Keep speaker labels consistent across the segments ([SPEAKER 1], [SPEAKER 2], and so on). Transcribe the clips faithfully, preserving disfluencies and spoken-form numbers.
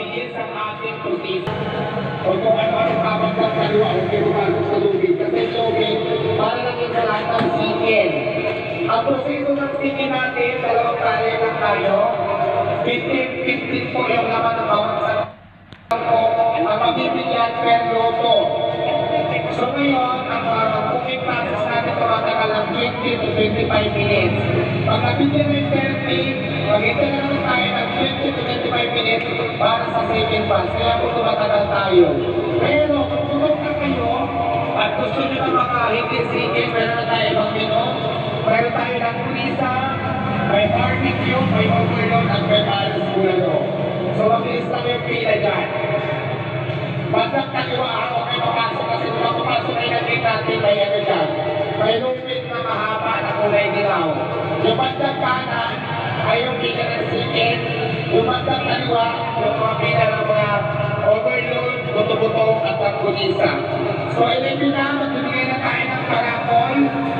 [SPEAKER 1] mabilis ang ating proseso. O kung ano-ano habang sa kaliwa, huwag kayo pumasok sa lubid. Kasi yung lubid, para lang yung sa lahat ng sikin. Ang proseso ng sikin natin, dalawang kaya lang tayo. fifteen fifteen po yung laman ng bawat sa po, ang mabibigyan per loto. So ngayon, ang uh, cooking process natin tumatagal ng twenty to twenty-five minutes. Pag nabigyan ng thirty, mag-ito na naman tayo ng twenty to twenty-five minutes para sa second pass. Kaya po tumatagal tayo. Pero kung tulog na kayo, at gusto nyo na makahigit sige, meron na tayo ibang menu. Meron tayo ng kulisa, may barbecue, may overload, at may alas bulalo. So mabilis lang yung pila dyan. Bandang kaliwa ako kayo papasok kasi kung papasok ay natin natin may ano dyan. May lupit na mahaba na kulay dilaw. Yung bandang kanan ay yung pila ng chicken. Yung bandang kaliwa, yung mga pila ng mga overload, buto-buto at ang kulisa. So ilipin na, magbibigay na tayo ng karapol.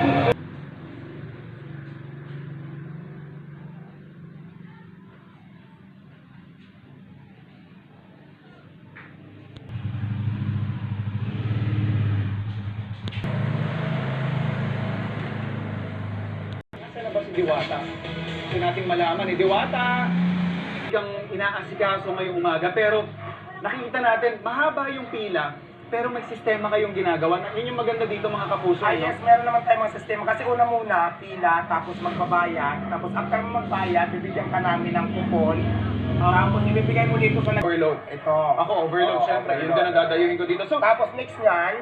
[SPEAKER 2] Nasaan na ba si Diwata? Gusto nating malaman eh, Diwata! Hanggang inaasikaso ngayong umaga, pero nakikita natin, mahaba yung pila, pero may sistema kayong ginagawa. Yun yung maganda dito mga kapuso.
[SPEAKER 3] Ah,
[SPEAKER 2] no?
[SPEAKER 3] yes, meron naman tayong mga sistema. Kasi una muna, pila, tapos magbabayad. Tapos after mo magbayad, bibigyan ka namin ng kupon. Tapos ibibigay mo dito sa
[SPEAKER 2] Overload.
[SPEAKER 3] Ito.
[SPEAKER 2] Ako, overload,
[SPEAKER 3] Oo,
[SPEAKER 2] syempre. Yun
[SPEAKER 3] overload.
[SPEAKER 2] ka nadadayuhin ko dito. So,
[SPEAKER 3] Tapos next niyan,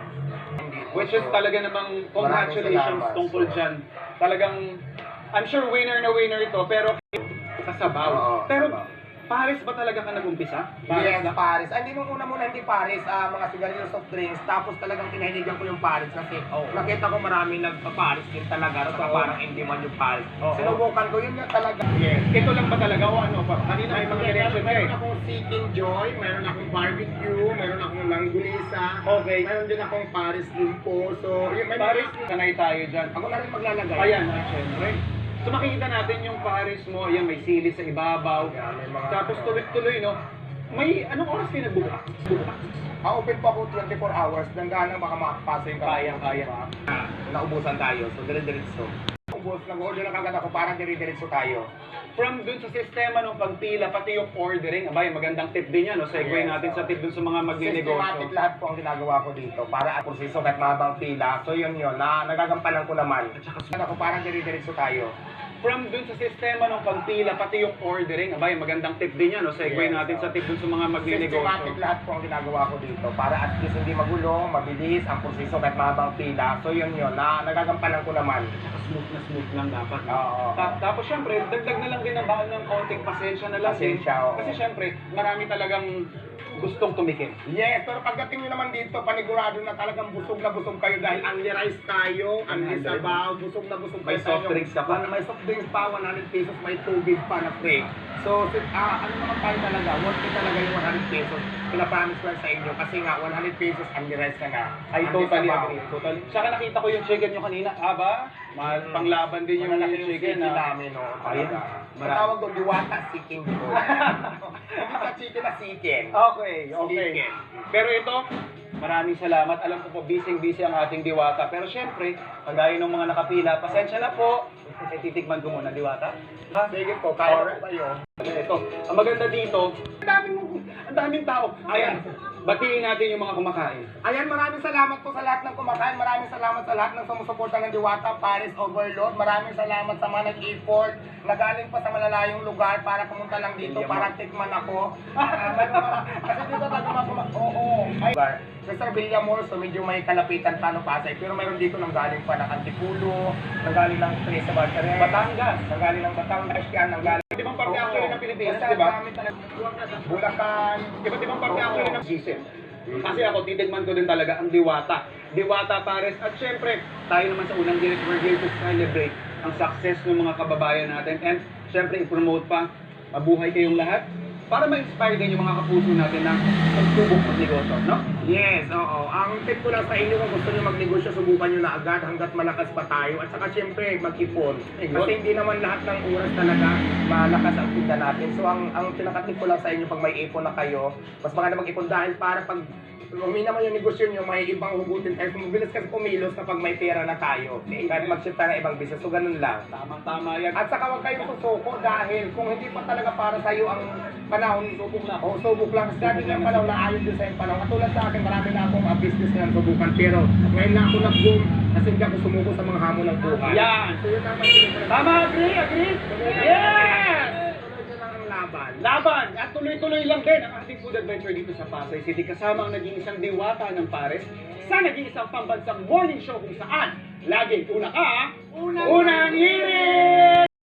[SPEAKER 2] which is talaga namang congratulations
[SPEAKER 3] salamat.
[SPEAKER 2] tungkol dyan. Talagang, I'm sure winner na winner ito, pero sa sabaw.
[SPEAKER 3] Oo,
[SPEAKER 2] pero,
[SPEAKER 3] sabaw.
[SPEAKER 2] Paris ba talaga ka nag-umpisa?
[SPEAKER 3] yes,
[SPEAKER 2] na
[SPEAKER 3] Paris. Ah, hindi nung una muna hindi Paris, ah, mga sigarilyo soft drinks. Tapos talagang kinahiligan ko yung Paris kasi
[SPEAKER 2] Oo.
[SPEAKER 3] nakita ko marami nagpa-Paris din talaga. So
[SPEAKER 2] Oo.
[SPEAKER 3] parang hindi man yung Paris.
[SPEAKER 2] Oo.
[SPEAKER 3] Sinubukan ko, yun nga talaga.
[SPEAKER 2] Yes. Ito lang ba talaga o ano pa? Kanina may mga direction ka eh.
[SPEAKER 3] Meron akong Seeking Joy, meron akong barbecue, meron akong langgulisa,
[SPEAKER 2] Okay.
[SPEAKER 3] meron din akong Paris Limpo. So, yun, may
[SPEAKER 2] Paris,
[SPEAKER 3] mga-
[SPEAKER 2] sanay tayo dyan.
[SPEAKER 3] Ako na rin maglalagay.
[SPEAKER 2] Ayan, ah, syempre. So makikita natin yung Paris mo, ayan, may sili sa ibabaw.
[SPEAKER 3] Yeah, may mga-
[SPEAKER 2] Tapos tuloy-tuloy, no? May, anong oras kayo nagbukas? Bukas.
[SPEAKER 3] Ah, open po ako twenty-four hours. Nanggalang baka makapasa yung
[SPEAKER 2] Kaya, kaya.
[SPEAKER 3] Ah, naubusan tayo. So, dire-diretso. Ubus, nag-order na kagad ako. Parang dire-diretso tayo.
[SPEAKER 2] From dun sa sistema ng pagpila, pati yung ordering, abay, magandang tip din yan, no? Segue
[SPEAKER 3] Yes,
[SPEAKER 2] natin
[SPEAKER 3] oh.
[SPEAKER 2] sa tip dun sa mga magne-negosyo.
[SPEAKER 3] Systematic lahat po ang ginagawa ko dito. Para at proseso kahit mahabang pila. So, yun yun. Na, nagagampanan ko naman.
[SPEAKER 2] At saka
[SPEAKER 3] Ako parang dire-diretso tayo.
[SPEAKER 2] from dun sa sistema ng pagpila, pati yung ordering, abay, magandang tip din yan, no? Segue
[SPEAKER 3] Yes,
[SPEAKER 2] natin
[SPEAKER 3] oh.
[SPEAKER 2] sa tip dun sa mga magne-negosyo.
[SPEAKER 3] Systematic lahat po ang ginagawa ko dito. Para at least hindi magulo, mabilis ang proseso kahit mahabang pila. So, yun yun. Na, nagagampanan ko naman.
[SPEAKER 2] Saka smooth na smooth lang dapat. no?
[SPEAKER 3] Oo.
[SPEAKER 2] Ta- tapos syempre, dagdag na lang din ang baon ng konting pasensya na lang din.
[SPEAKER 3] Pasensya, oo.
[SPEAKER 2] Kasi syempre, marami talagang gustong tumikim.
[SPEAKER 3] Yes, pero pagdating nyo naman dito, panigurado na talagang busog na busog kayo dahil unli rice tayo, unli
[SPEAKER 2] Unli.
[SPEAKER 3] sabaw, busog na busog
[SPEAKER 2] May
[SPEAKER 3] kayo.
[SPEAKER 2] soft drinks ka pa?
[SPEAKER 3] May soft drinks pa, one hundred pesos, may tubig pa na free. So, si- ah, ano naman tayo talaga, worth it talaga yung one hundred pesos. Pinapromise ko lang sa inyo kasi nga, one hundred pesos, unli rice ka na.
[SPEAKER 2] I
[SPEAKER 3] Unli
[SPEAKER 2] totally
[SPEAKER 3] sabaw.
[SPEAKER 2] agree. Totally. Saka nakita ko yung chicken nyo kanina. Aba, mahal,
[SPEAKER 3] Mm.
[SPEAKER 2] panglaban din yung,
[SPEAKER 3] Malalaki
[SPEAKER 2] yung chicken.
[SPEAKER 3] chicken
[SPEAKER 2] ah.
[SPEAKER 3] namin, no?
[SPEAKER 2] Ayun.
[SPEAKER 3] Talaga.
[SPEAKER 2] Marami.
[SPEAKER 3] Ang tawag doon, diwata chicken boy. Hindi sa chicken na chicken.
[SPEAKER 2] Okay, okay.
[SPEAKER 3] Chicken.
[SPEAKER 2] Pero ito, maraming salamat. Alam ko po, busy-busy ang ating diwata. Pero syempre, kagaya ng mga nakapila, pasensya na po. Eh, titikman ko muna, diwata. Ha?
[SPEAKER 3] Sige po, kaya po kayo.
[SPEAKER 2] Ito, ang maganda dito, ang daming, ang daming tao. Ayan, batiin natin yung mga kumakain.
[SPEAKER 3] Ayan, maraming salamat po sa lahat ng kumakain. Maraming salamat sa lahat ng sumusuporta ng Diwata, Paris Overload. Maraming salamat sa mga nag-effort na galing pa sa malalayong lugar para pumunta lang dito para tikman ako. Ah, may mga- Kasi dito tayo mga Oo. Ay, sa Sir Villamor, so medyo may kalapitan pa no Pasay. Pero mayroon dito nang galing pa ng Antipulo, nang galing ng Tres sa Barcares,
[SPEAKER 2] Batangas.
[SPEAKER 3] nang galing ng Batangas yan, nang galing.
[SPEAKER 2] Di bang parte actually ng Pilipinas,
[SPEAKER 3] Basta
[SPEAKER 2] di ba?
[SPEAKER 3] marami talaga. Bulacan.
[SPEAKER 2] Iba't ibang parte
[SPEAKER 3] Oo.
[SPEAKER 2] actually ng Gisip. Kasi ako, titigman ko din talaga ang Diwata. Diwata Pares. At syempre, tayo naman sa unang direct, we're here to celebrate ang success ng mga kababayan natin. And syempre, i-promote pa, mabuhay kayong lahat para ma-inspire din yung mga kapuso natin na magsubok ng negosyo, no?
[SPEAKER 3] Yes, oo. Ang tip ko lang sa inyo kung gusto nyo magnegosyo, subukan nyo na agad hanggat malakas pa tayo. At saka syempre, mag-ipon. Kasi hindi naman lahat ng oras talaga malakas ang tinda natin. So ang ang pinaka-tip ko lang sa inyo pag may ipon na kayo, mas maganda mag-ipon dahil para pag umina naman yung negosyo nyo, may ibang hugutin tayo. So, mabilis kasi kumilos kapag may pera na tayo. Kahit mag-shift tayo ng ibang business. So ganun lang.
[SPEAKER 2] Tama-tama yan.
[SPEAKER 3] At saka huwag kayong susuko dahil kung hindi pa talaga para sa iyo ang panahon, subok lang. O subok lang. Kasi dati yung panahon na ayaw din sa yung panahon. Katulad sa akin, marami na akong uh, business na subukan. Pero ngayon na ako nag-boom kasi hindi ako sumuko sa mga hamon ng buhay.
[SPEAKER 2] Yan.
[SPEAKER 3] So yun naman yun.
[SPEAKER 2] Tama, agree, agree? Yes!
[SPEAKER 3] Tuloy nyo lang ang laban.
[SPEAKER 2] Laban! At tuloy-tuloy lang din ang ating food adventure dito sa Pasay City kasama ang naging isang diwata ng Pares sa naging isang pambansang morning show kung saan laging una ka, unang, unang hirit!